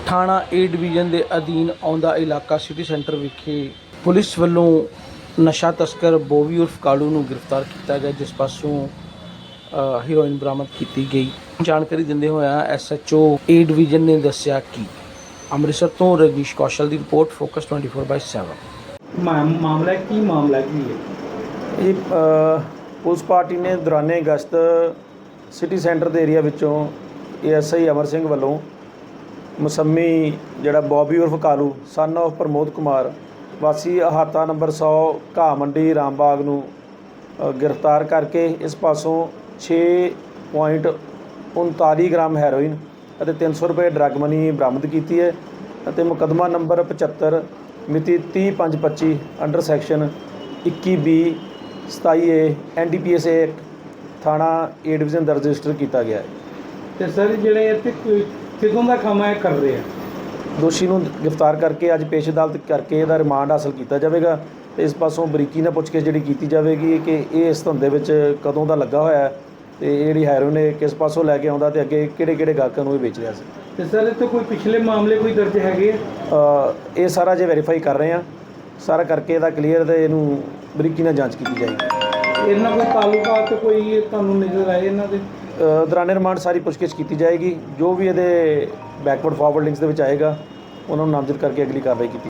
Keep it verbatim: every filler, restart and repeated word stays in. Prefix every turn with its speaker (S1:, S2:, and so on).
S1: ਥਾਣਾ A division ਦੇ ਅਧੀਨ ਆਉਂਦਾ ਇਲਾਕਾ ਸਿਟੀ ਸੈਂਟਰ ਵਿਖੇ ਪੁਲਿਸ ਵੱਲੋਂ ਨਸ਼ਾ ਤਸਕਰ ਬੋਵੀ ਉਰਫ ਕਾਲੂ ਨੂੰ ਗ੍ਰਿਫਤਾਰ ਕੀਤਾ ਗਿਆ, ਜਿਸ ਪਾਸੋਂ ਹੀਰੋਇਨ ਬਰਾਮਦ ਕੀਤੀ ਗਈ। ਜਾਣਕਾਰੀ ਦਿੰਦੇ ਹੋਇਆ S H O A division ਨੇ ਦੱਸਿਆ ਕਿ ਅੰਮ੍ਰਿਤਸਰ ਤੋਂ ਰਜਨੀਸ਼ ਕੌਸ਼ਲ ਦੀ report, focus twenty four by seven.
S2: ਮਾਮਲਾ ਕੀ ਮਾਮਲਾ ਕੀ ਹੈ
S1: ਇਹ ਪੁਲਿਸ ਪਾਰਟੀ ਨੇ ਦੌਰਾਨੇ ਅਗਸਤ ਸਿਟੀ ਸੈਂਟਰ ਦੇ ਏਰੀਆ ਵਿੱਚੋਂ ਏ ਐਸ ਆਈ ਅਮਰ ਸਿੰਘ ਵੱਲੋਂ ਮਸੰਮੀ ਜਿਹੜਾ ਬੋਬੀ ਉਰਫ ਕਾਲੂ ਸਨ ਆਫ ਪ੍ਰਮੋਦ ਕੁਮਾਰ ਵਾਸੀ ਅਹਾਤਾ ਨੰਬਰ ਸੌ ਘਾਹ ਮੰਡੀ ਰਾਮਬਾਗ ਨੂੰ ਗ੍ਰਿਫਤਾਰ ਕਰਕੇ ਇਸ ਪਾਸੋਂ ਛੇ ਪੁਆਇੰਟ ਉਨਤਾਲੀ ਗ੍ਰਾਮ ਹੈਰੋਇਨ ਅਤੇ ਤਿੰਨ ਸੌ ਰੁਪਏ ਡਰੱਗ ਮਨੀ ਬਰਾਮਦ ਕੀਤੀ ਹੈ ਅਤੇ ਮੁਕੱਦਮਾ ਨੰਬਰ ਪਝੱਤਰ ਮਿਤੀ ਤੀਹ ਪੰਜ ਪੱਚੀ ਅੰਡਰ ਸੈਕਸ਼ਨ ਇੱਕੀ ਬੀ ਸਤਾਈ A N D P S act ਥਾਣਾ ਏ ਡਿਵੀਜ਼ਨ ਦਰਜ ਰਜਿਸਟਰ ਕੀਤਾ ਗਿਆ ਹੈ।
S2: ਤੇ ਸਰ ਜਿਹੜੇ ਇੱਥੇ ਕਿਦੋਂ ਦਾ ਕੰਮ ਹੈ ਕਰ ਰਹੇ ਆ?
S1: ਦੋਸ਼ੀ ਨੂੰ ਗ੍ਰਿਫਤਾਰ ਕਰਕੇ ਅੱਜ ਪੇਸ਼ ਅਦਾਲਤ ਕਰਕੇ ਇਹਦਾ ਰਿਮਾਂਡ ਹਾਸਲ ਕੀਤਾ ਜਾਵੇਗਾ ਅਤੇ ਇਸ ਪਾਸੋਂ ਬਰੀਕੀ ਨਾਲ ਪੁੱਛ ਕੇ ਜਿਹੜੀ ਕੀਤੀ ਜਾਵੇਗੀ ਕਿ ਇਹ ਇਸ ਧੰਦੇ ਵਿੱਚ ਕਦੋਂ ਦਾ ਲੱਗਾ ਹੋਇਆ ਹੈ ਅਤੇ ਇਹ ਜਿਹੜੀ ਹੈਰੋਇਨ ਇਹ ਕਿਸ ਪਾਸੋਂ ਲੈ ਕੇ ਆਉਂਦਾ ਅਤੇ ਅੱਗੇ ਕਿਹੜੇ ਕਿਹੜੇ ਗਾਹਕਾਂ ਨੂੰ ਇਹ ਵੇਚ ਰਿਹਾ ਸੀ।
S2: ਤੇ ਸਰ ਇੱਥੇ ਕੋਈ ਪਿਛਲੇ ਮਾਮਲੇ ਕੋਈ ਦਰਜ ਹੈਗੇ ਆ?
S1: ਇਹ ਸਾਰਾ ਜੇ ਵੈਰੀਫਾਈ ਕਰ ਰਹੇ ਹਾਂ, ਸਾਰਾ ਕਰਕੇ ਇਹਦਾ ਕਲੀਅਰ ਅਤੇ ਇਹਨੂੰ ਬਰੀਕੀ ਨਾਲ ਜਾਂਚ ਕੀਤੀ ਜਾਏਗੀ।
S2: ਇਹਨਾਂ ਕੋਈ ਤਾਲੁਕਾਤ ਕੋਈ ਤੁਹਾਨੂੰ ਨਜ਼ਰ ਆਏ ਇਹਨਾਂ ਦੇ?
S1: ਦੌਰਾਨੇ ਰਿਮਾਂਡ ਸਾਰੀ ਪੁੱਛਗਿੱਛ ਕੀਤੀ ਜਾਏਗੀ, ਜੋ ਵੀ ਇਹਦੇ ਬੈਕਵਰਡ ਫਾਰਵਰਡ ਲਿੰਕਸ ਦੇ ਵਿੱਚ ਆਏਗਾ ਉਹਨਾਂ ਨੂੰ ਨਾਮਜ਼ਦ ਕਰਕੇ ਅਗਲੀ ਕਾਰਵਾਈ ਕੀਤੀ